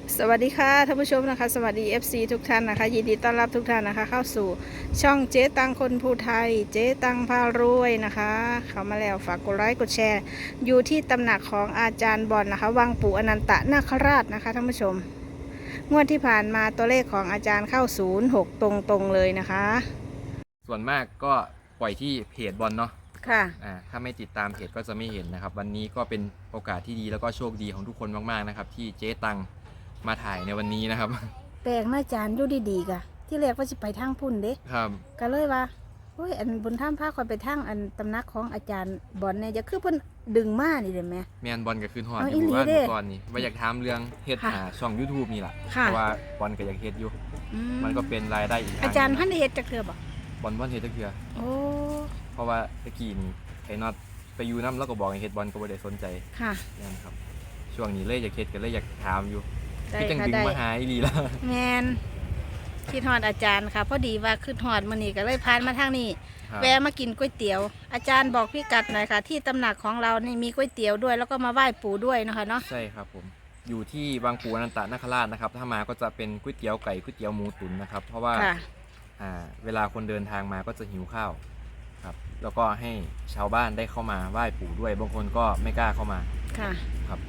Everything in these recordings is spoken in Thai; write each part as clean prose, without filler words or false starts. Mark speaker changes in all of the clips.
Speaker 1: สวัสดีค่ะท่านผู้ชมนะคะสวัสดี FC ทุกท่านนะคะยินดีต้อนรับทุกท่านนะคะเข้าสู่ช่องเจ๊ตังคนภูไทยเจ๊ตังพารวยนะคะเข้ามาแล้วฝากกดไลค์กดแชร์อยู่ที่ตำหนักของอาจารย์บอลนะคะวังปู่อนันตนาคราชนะคะท่านผู้ชมงวดที่ผ่านมาตัวเลขของอาจารย์เข้า06ตรงๆเลยนะคะ
Speaker 2: ส่วนมากก็ปล่อยที่เพจบอลเนาะ
Speaker 1: ค่ะ
Speaker 2: ถ้าไม่ติดตามเพจก็จะไม่เห็นนะครับวันนี้ก็เป็นโอกาสที่ดีแล้วก็โชคดีของทุกคนมากๆนะครับที่เจ๊ตังมาถ่ายในวันนี้นะครับ
Speaker 1: แปลงนะอาจารย์ดูดีๆกะที่แรกว่าจะไปทางพุ่นเด้
Speaker 2: ครับ
Speaker 1: ก็เลยว่าโอ้ยอันบนถ้ำพาคอยไปทางอันตำนักของอาจารย์บอลเนี่ยจะคือเพิ่นดึงมานี่เลยไหม
Speaker 2: แมนบอลกับคืนหอด
Speaker 1: เอา
Speaker 2: อยู่ว่า
Speaker 1: อีหลีเด้
Speaker 2: ก่อนนี่ว่าอยากถามเรื่องเฮ็ด
Speaker 1: ค่ะ
Speaker 2: ช่อง YouTube นี่แหละ
Speaker 1: ค่ะ
Speaker 2: เพราะว่าบอลก็อยากเฮ็ดอยู่
Speaker 1: อื
Speaker 2: มันก็เป็นรายได้อีกทาง
Speaker 1: อาจารย์พันเฮ็ดจักเทื่อบ่
Speaker 2: บอลเฮ็ดจักเทื่อ
Speaker 1: โอ้
Speaker 2: เพราะว่าตะกี้นี่ไอ้น็อตไปอยู่น้ำแล้วก็บอกให้เฮ็ดบอลก็บ่ได้สนใจ
Speaker 1: ค่ะ
Speaker 2: นั่นครับช่วงนี้เลยอยากเฮ็ดก็เลยอยากถามอยู่
Speaker 1: ได้
Speaker 2: พี่จัง
Speaker 1: ค่ะ
Speaker 2: ดึง
Speaker 1: ได้
Speaker 2: มาหาอีหลีแล้ว
Speaker 1: แมนคิดฮอดอาจารย์ค่ะพอดีว่าขึ้นฮอดมื้อนี้ก็เลยผ่านมาทางนี้
Speaker 2: ครับ
Speaker 1: แวะมากินก๋วยเตี๋ยว อาจารย์บอกพี่กัดหน่อยค่ะ ที่ตำหนักของเรานี่มีก๋วยเตี๋ยวด้วย แล้วก็มาไหว้ปู่ด้วยเนาะคะเนาะ
Speaker 2: ใช่ครับผมอยู่ที่บางปูอนันตนาคราชนะครับถ้ามาก็จะเป็นก๋วยเตี๋ยวไก่ก๋วยเตี๋ยวหมูตุ๋นนะครับเพราะว่า
Speaker 1: ค่ะ
Speaker 2: เวลาคนเดินทางมาก็จะหิวข้าวครับแล้วก็ให้ชาวบ้านได้เข้ามาไหว้ปู่ด้วยบางคนก็ไม่กล้าเข้ามา
Speaker 1: ค่ะ
Speaker 2: ครับ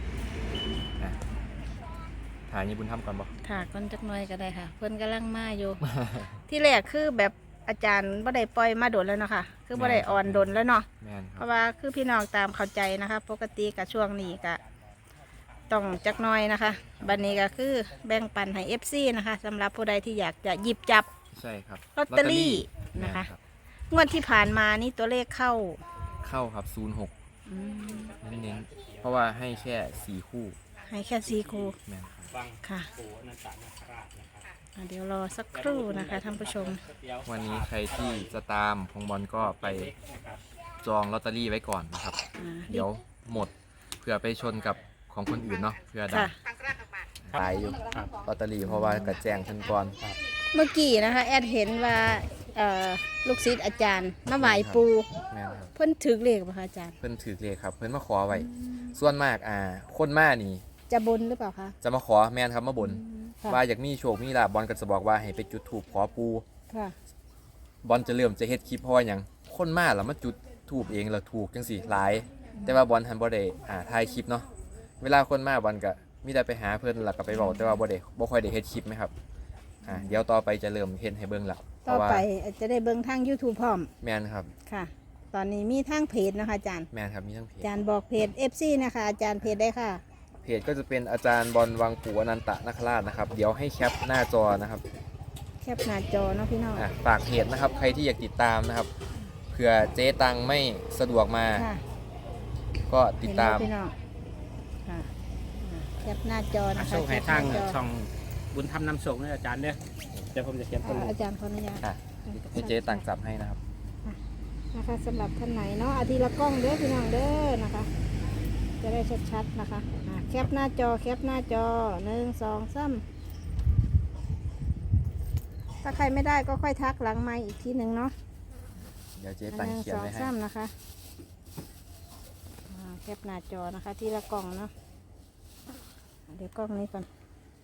Speaker 2: ถ่ายญี่ปุ่นทำก่อนบอก
Speaker 1: ค่ะก้อนจักหน่อยก็ได้ค่ะ เพิ่นกำลังมาอยู่ ที่แรกคือแบบอาจารย์บ่ได้ปล่อยมาโดนแล้วเนาะค่ะ คือบ่ได้อ่อนโดนแล้วเนาะ
Speaker 2: แม่นค
Speaker 1: เพ
Speaker 2: รับ
Speaker 1: ราะว่าคือพี่น้องตามเข้าใจนะคะ ปกติกับช่วงนี้ก็ต้องจักหน้อยนะคะ บัดนี้ก็คือแบ่งปันให้ FC นะคะสำหรับผู้ใดที่อยากจะหยิบจับ
Speaker 2: ใช่ครับ
Speaker 1: ลอตเตอรี่นะคะ
Speaker 2: แม่รับ
Speaker 1: งวดที่ผ่านมานี่ตัวเลขเข้า
Speaker 2: เข้าครับ06
Speaker 1: อืม
Speaker 2: เน้นๆเพราะว่าให้แค่4คู่
Speaker 1: ให้แค่4 คู่
Speaker 2: แม่นครับ
Speaker 1: ค่ะเดี๋ยวรอสักครู่นะคะท่านผู้ชม
Speaker 2: วันนี้ใครที่จะตามของบอลก็ไปจองลอตเตอรี่ไว้ก่อนนะครับ เดี๋ยวหมดเผื่อไปชนกับของคนอื่นเนาะเผื่อดั
Speaker 1: ค่ะ
Speaker 2: งขายอยู่ลอตเตอรี่เพราะว่ากระแจงทันก่อน
Speaker 1: เมื่อกี้นะคะแอดเห็นว่าลูกศิษย์อาจารย์มาไหว้ปู
Speaker 2: แม่นครับ
Speaker 1: เพิ่นถือเลขป่ะคะอาจารย์
Speaker 2: เพิ่นถือเลขครับ เพิ่นมาขอไว้ส่วนมากคนมานี่
Speaker 1: จะบนหรือเปล่าคะ
Speaker 2: จะมาขอแม่นครับมาบน
Speaker 1: ค่ะ
Speaker 2: ว่าอยากมีโชคมีลาภบอลก็จะบอกว่าให้ไปจุดธูปขอปู
Speaker 1: ค่ะ
Speaker 2: บอลจะเริ่มจะเฮ็ดคลิปเพราะว่าหยังคนมาแล้วมาจุดธูปเองแล้วถูกจังซี่หลาย แต่ว่าบอลทันบ่ได้ถ่ายคลิปเนาะเวลาคนมาบอลก็มีแต่ไปหาเพิ่นแล้วก็ไปเว้าแต่ว่าบ่ค่อยได้เฮ็ดคลิปไหมครับเดี๋ยวต่อไปจะเริ่มเฮ็ดให้เบิ่งแล้วเพ
Speaker 1: ต่อ
Speaker 2: ราะว่า
Speaker 1: ไปจะได้เบิ่งทาง YouTube พร้อม
Speaker 2: แม่นครับ
Speaker 1: ค่ะ ตอนนี้มีทางเพจนะคะอาจารย์
Speaker 2: แม่นครับมีทั้งเพจ
Speaker 1: อาจารย์บอกเพจ FC นะคะอาจารย์เพจได้ค่ะ
Speaker 2: เพจก็จะเป็นอาจารย์บอลวังปู่อนันตนาคราชนะครับเดี๋ยวให้แคปหน้าจอนะครับ
Speaker 1: แคปหน้าจอเนาะพี่น้อง
Speaker 2: ฝากเพจนะครับใครที่อยากติดตามนะครับเผื่อเจ๊ตังไม่สะดวกมา
Speaker 1: ค่ะ
Speaker 2: ก็ติดตาม
Speaker 1: เห็นไหพี่น้องค่ะแคปหน้าจอนะคะ
Speaker 3: ส่งให้ทาง
Speaker 1: แคปหน้จ
Speaker 3: ช่องบุญธรรมนำส่งเนี่ยอาจารย์เนี่ยเดี๋ยวผมจะเขียนตัวเลข
Speaker 1: อาจารย์ขออนุญาต
Speaker 2: ให้เจ๊ตังจับให้นะครับ
Speaker 1: นะคะสำหรับท่านไหนเนาะอาทิตย์ละกล้องเด้อพี่น้องเด้อนะคะ จะได้ชัดๆนะคะแคปหน้าจอแคปหน้าจอ1 2 3ถ้าใครไม่ได้ก็ค่อยทักหลังไมค์อีกทีหนึ่งเนาะ
Speaker 2: เดี๋ยวเจ๊ตังเขียน
Speaker 1: 1
Speaker 2: ไว้ให้
Speaker 1: 2 3นะคะแคปหน้าจอนะคะทีละกล้องเนาะเดี๋ยวกล้องนี้ก่อน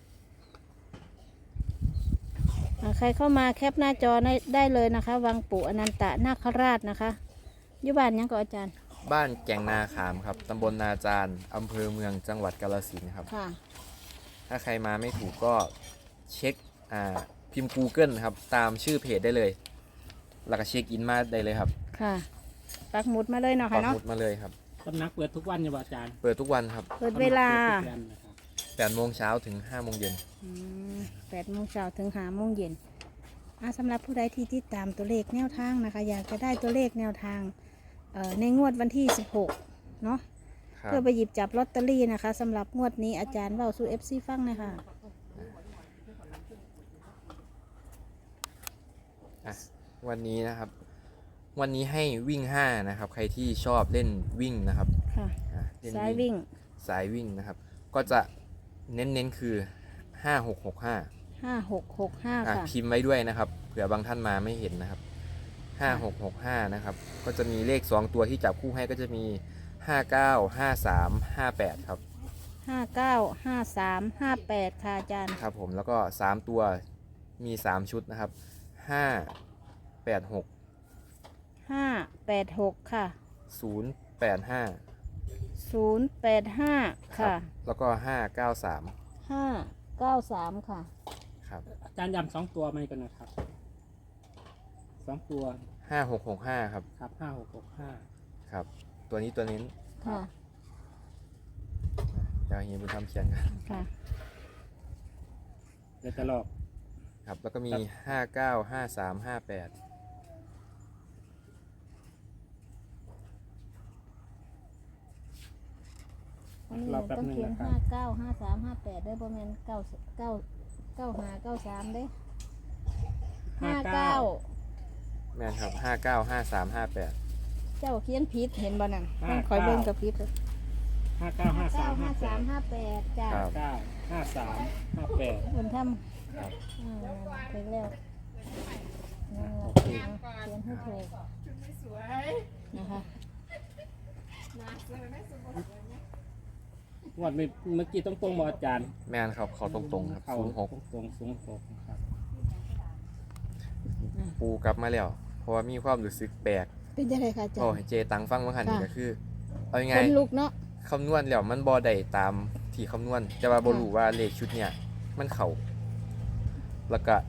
Speaker 1: ใครเข้ามาแคปหน้าจอได้เลยนะคะ วังปู่อนันตนาคราชนะคะอยู่บ้านยังก็อาจารย์
Speaker 2: บ้านแก่งนาขามครับตำบลนาจารอำเภอเมืองจังหวัดกาฬสินธุ์ครับ
Speaker 1: ค่ะ
Speaker 2: ถ้าใครมาไม่ถูกก็เช็คพิมพ์ Google ครับตามชื่อเพจได้เลย แล้วก็เช็คอินมาได้เลยครับ
Speaker 1: ค่ะปักหมุดมาเลยเนาะ
Speaker 2: ปั
Speaker 1: ค่ะ
Speaker 2: กห
Speaker 1: เนาะ
Speaker 2: มุดมาเลยครับ
Speaker 3: ตำนักเปิดทุกวันอยู่บ่อาจารย์
Speaker 2: เปิดทุกวันครับ
Speaker 1: เปิดเวลา
Speaker 3: ปิดทุกวันนะครับ
Speaker 2: 8 โมงเช้าถึง 5 โมงเย็น
Speaker 1: 8 โมงเช้าถึง5 โมงเย็นสำหรับผู้ใดที่ติดตามตัวเลขแนวทางนะคะ อยากจะได้ตัวเลขแนวทางในงวดวันที่ 16 เนาะ
Speaker 2: ครับ
Speaker 1: เพื่อไปหยิบจับลอตเตอรี่นะคะสำหรับงวดนี้อาจารย์เว้าสู่ FC ฟังนะคะ
Speaker 2: วันนี้นะครับ วันนี้ให้วิ่ง 5 นะครับ ใครที่ชอบเล่นวิ่งนะครับ
Speaker 1: ค่ะ
Speaker 2: เล่น
Speaker 1: สายวิ่ง
Speaker 2: สายวิ่งนะครับ ก็จะเน้นๆคือ 5665
Speaker 1: 5665 ค่ะ
Speaker 2: พิมพ์ไว้ด้วยนะครับเผื่อบางท่านมาไม่เห็นนะครับ5665นะครับก็จะมีเลข2ตัวที่จับคู่ให้ก็จะมี59 53 58ครับ
Speaker 1: 595358ค่ะอาจารย์
Speaker 2: ครับผมแล้วก็3ตัวมี3ชุดนะครับ586
Speaker 1: 586ค่ะ
Speaker 2: 085
Speaker 1: 085ค่ะ
Speaker 2: แล้วก็593
Speaker 1: 593ค่ะ
Speaker 2: ครับ
Speaker 3: อาจารย์ย้ำ2 ตัวไหมกันนะครับ2 ตัว
Speaker 2: 5665ครับ
Speaker 3: ครับ5665
Speaker 2: ครับตัวนี้ตัวนี้
Speaker 1: ค่ะ
Speaker 2: เดี๋ยวเฮียบุญธรรมเขียนกัน
Speaker 1: ค่ะ
Speaker 3: เดี๋ยวจะลอก
Speaker 2: ครับแล้วก็มี 595358
Speaker 1: วันนี้เราต้องเขียน595358ได้ประมาณ9593ได้59
Speaker 2: แม่นครับ595358
Speaker 1: เจ้าเขียนผิดเห็นบ่นั่นต้องคอยเบิ่งกับผิดเลย
Speaker 3: 595358
Speaker 1: จ้า
Speaker 3: 95358
Speaker 1: บุญธรรม
Speaker 2: ครับ
Speaker 1: ไปแล้วเขียนให้ถูกนะคะ
Speaker 3: งวดเมื่อกี้ต้องตรงๆบ่อาจารย์
Speaker 2: แม่นครับเขาตรงๆครับ
Speaker 3: เข้า
Speaker 2: 06
Speaker 3: ตรง06นะครับ
Speaker 2: ปูกลับมาแล้วเพราะว่ามีความรู้สึกแปลก
Speaker 1: เป็นยังไงคะอาจาร
Speaker 2: โอ้
Speaker 1: ย์
Speaker 2: ให้เจตังฟังว่าหันนี่ก็คือเอายังไง
Speaker 1: คนลุกเนาะ
Speaker 2: คำนวณแล้วมันบ่ได้ตามที่คำนวณแต่ว่าบ่รู้ว่าเลขชุดเนี่ยมันเข้าแล้วก็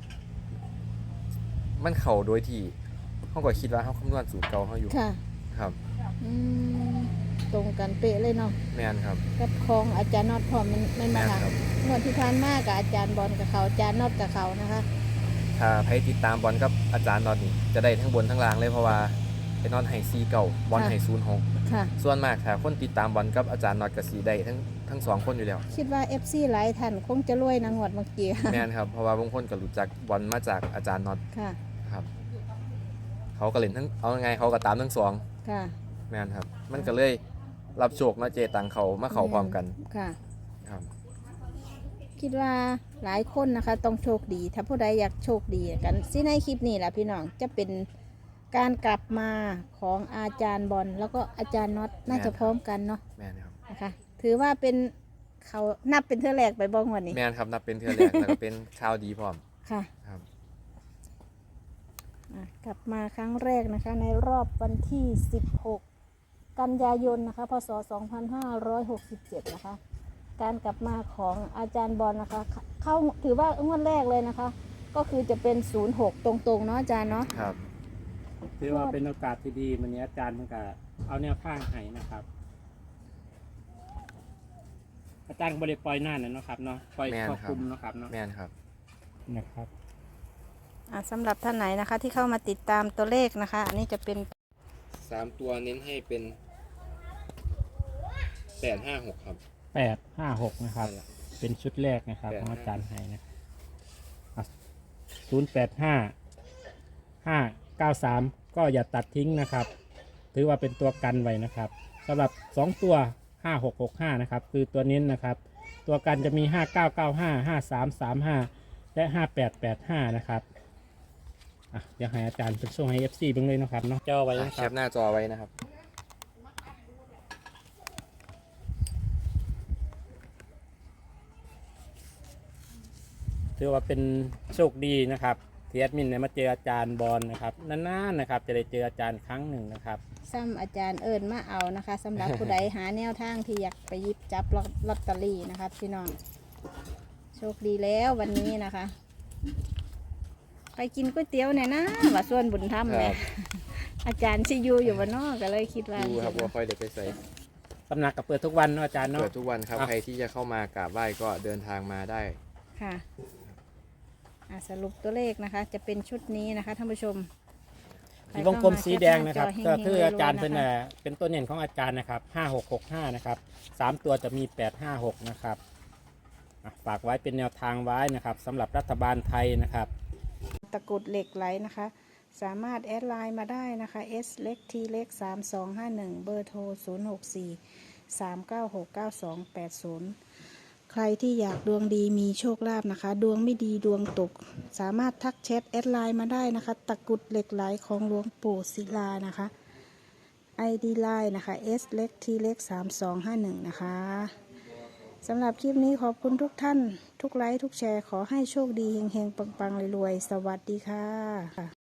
Speaker 2: มันเข้าโดยที่เฮาก็คิดว่าเฮาคำนวณสูตรเก่าเฮาอยู่
Speaker 1: ค่ะ
Speaker 2: ครับ
Speaker 1: อืมตรงกันเป๊ะเลยเนาะ
Speaker 2: แม่นครับ
Speaker 1: กับของอาจารย์น็อตพร้อมมัน
Speaker 2: แม่
Speaker 1: มาน ค่ะ
Speaker 2: ครับ
Speaker 1: งวดที่ผ่านมากับอาจารย์บอลกับเขาอาจารย์น็อตกับเขานะคะ
Speaker 2: ถ้าใครติดตามบอลกับอาจารย์นอตนี่จะได้ทั้งบนทั้งล่างเลยเพราะว่าไอ้นอตให้4เก่าบอลให้06
Speaker 1: ค่ะ
Speaker 2: ส่วนมากถ้าคนติดตามบอลกับอาจารย์นอตก็สิได้ทั้งสองคนอยู่แล้ว
Speaker 1: คิดว่า FC หลายท่านคงจะรวยนะงวดเมื่อกี้ค่ะ
Speaker 2: แม่นครับเพราะว่าบางคนก็รู้จักบอลมาจากอาจารย์นอต
Speaker 1: ค่ะ
Speaker 2: ครับเขาก็เล่นทั้งเอาไงเขาก็ตามทั้งสอง
Speaker 1: ค่ะ
Speaker 2: แม่นครับ มันก็เลยรับโชคเนาะเจตังเขามาเขาพร้อมกัน
Speaker 1: ค่ะ
Speaker 2: ครับ
Speaker 1: คิดว่าหลายคนนะคะต้องโชคดี ถ้าผู้ใดอยากโชคดีกันสิในคลิปนี้แหละพี่น้องจะเป็นการกลับมาของอาจารย์บอลแล้วก็อาจารย์น็อตน่าจะพร้อมกันเนาะ
Speaker 2: แม่นครับ
Speaker 1: นะคะ ถือว่าเป็นเขานับเป็นเท่าแรกไปบ้างวันนี้
Speaker 2: แม่นครับนับเป็นเทือแรกแล้วก็เป็นข่าวดีพร้อม
Speaker 1: ค่ะ
Speaker 2: ครับ
Speaker 1: กลับมาครั้งแรกนะคะในรอบวันที่ 16 กันยายนนะคะพศ 2567 นะคะ การกลับมาของอาจารย์บอลนะคะ เข้าถือว่างวดแรกเลยนะคะ ก็คือจะเป็น 06 ตรงๆเนาะอาจารย์เนาะ
Speaker 2: ครับ
Speaker 3: ถือว่าเป็นโอกาสที่ดีวันนี้อาจารย์มันก็เอาแนวข้างให้นะครับ อาจารย์บริปล่อยหน้าน่ะเนาะครับเนาะปล่อย
Speaker 2: แม่น
Speaker 3: ครอบ
Speaker 2: ครับ
Speaker 3: คลุมเนาะครับเนาะ
Speaker 2: แม่นครับ
Speaker 3: นะครับ
Speaker 1: สำหรับท่านไหนนะคะที่เข้ามาติดตามตัวเลขนะคะ อันนี้จะเป็น
Speaker 2: 3 ตัวเน้นให้เป็น856ครับ
Speaker 3: 856นะครับ
Speaker 2: นั่นแหละ
Speaker 3: เป็นชุดแรกนะครับ
Speaker 2: 855
Speaker 3: ของอาจารย์ให้นะ085 593ก็อย่าตัดทิ้งนะครับ ถือว่าเป็นตัวกันไว้นะครับสำหรับ2ตัว5665นะครับคือตัวนี้นะครับ ตัวกันจะมี 5995 5335 และ 5885นะครับเดี๋ยวให้อาจารย์เป็นช่วงให้ FC เบิ่งเลยนะครับเนาะจ่อไว้นะ
Speaker 2: แค
Speaker 3: ครับ
Speaker 2: ปหน้าจอไว้นะครับ
Speaker 3: ถือว่าเป็นโชคดีนะครับที่แอดมินเนี่ยมาเจออาจารย์บอลนะครับนานๆนะครับจะได้เจออาจารย์ครั้งหนึ่งนะครับ
Speaker 1: ซ้ำอาจารย์เอิญมาเอานะคะสำหรับผู้ใดหาแนวทางที่อยากไปหยิบจับลอตเตอรี่นะคะพี่น้องโชคดีแล้ววันนี้นะคะ ไปกินก๋วยเตี๋ยวเนี่ยนะว่าส่วนบุญธรรม
Speaker 2: ครั
Speaker 1: เนี่ย
Speaker 2: บ
Speaker 1: อาจารย์ชิอยูอยู่บ้านนอกก็เลยคิดว่า
Speaker 2: ดูครับว่าค่อยเด็กไปใส่
Speaker 3: ตำหนักก็เปิดทุกวันเนาะอาจารย์เนาะ
Speaker 2: เปิดทุกวันครับ
Speaker 3: อ่ะ
Speaker 2: ใครที่จะเข้ามากราบไหว้ก็เดินทางมาได้
Speaker 1: ค่ะสรุปตัวเลขนะคะ จะเป็นชุดนี้นะคะท่านผู้ชม
Speaker 3: ที่วงกลมสีแดงนะครับ
Speaker 1: ไป
Speaker 3: ก็
Speaker 1: เข้ามา
Speaker 3: คืออาจารย์
Speaker 1: แคปหน้าจอ
Speaker 3: เป็นตัวเน่นของอาจารย์นะครับ5665นะครับ3ตัวจะมี856นะครับฝากไว้เป็นแนวทางไว้นะครับสำหรับรัฐบาลไทยนะครับ
Speaker 1: ตะกรุดเหล็กไหลนะคะ สามารถแอดไลน์มาได้นะคะ S เล็ก T เล็ก3251 เบอร์โทร 064 396 9280 ใครที่อยากดวงดีมีโชคลาภนะคะ ดวงไม่ดีดวงตก สามารถทักแชทแอดไลน์มาได้นะคะ ตะกรุดเหล็กไหลของหลวงปู่ศิลานะคะ ID ไลน์นะคะ S เล็ก T เล็ก3251 นะคะสำหรับคลิปนี้ขอบคุณทุกท่าน ทุกไลค์ทุกแชร์ขอให้โชคดีเฮงๆปังๆรวยๆสวัสดีค่ะ